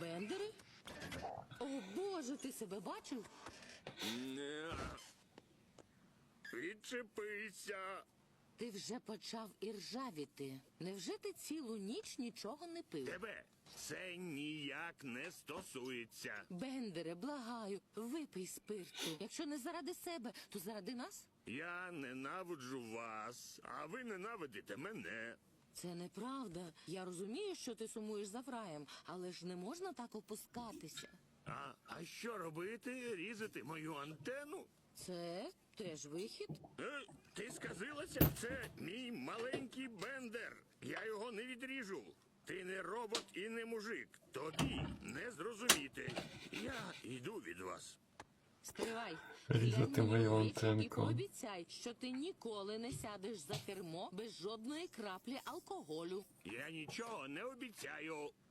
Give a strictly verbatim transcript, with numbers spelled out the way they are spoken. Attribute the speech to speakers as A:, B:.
A: Бендери? О, Боже, ти себе бачив?
B: Не. Відчепися.
A: Ти вже почав іржавіти. Невже ти цілу ніч нічого не пив?
B: Тебе це ніяк не стосується.
A: Бендере, благаю, випий спирту. Якщо не заради себе, то заради нас?
B: Я ненавиджу вас, а ви ненавидите мене.
A: Це неправда. Я розумію, що ти сумуєш за Фраєм, але ж не можна так опускатися.
B: А, а що робити? Різати мою антенну?
A: Це теж вихід?
B: Е, ти сказилася? Це мій маленький Бендер. Я його не відріжу. Ти не робот і не мужик. Тобі не зрозуміти. Я йду від вас.
A: Стривай.
C: Різати
A: Глянь мені
C: мою
A: в очі
C: антенку.
A: І пообіцяй, що ти ніколи не сядеш за кермо без жодної краплі алкоголю.
B: Я нічого не обіцяю.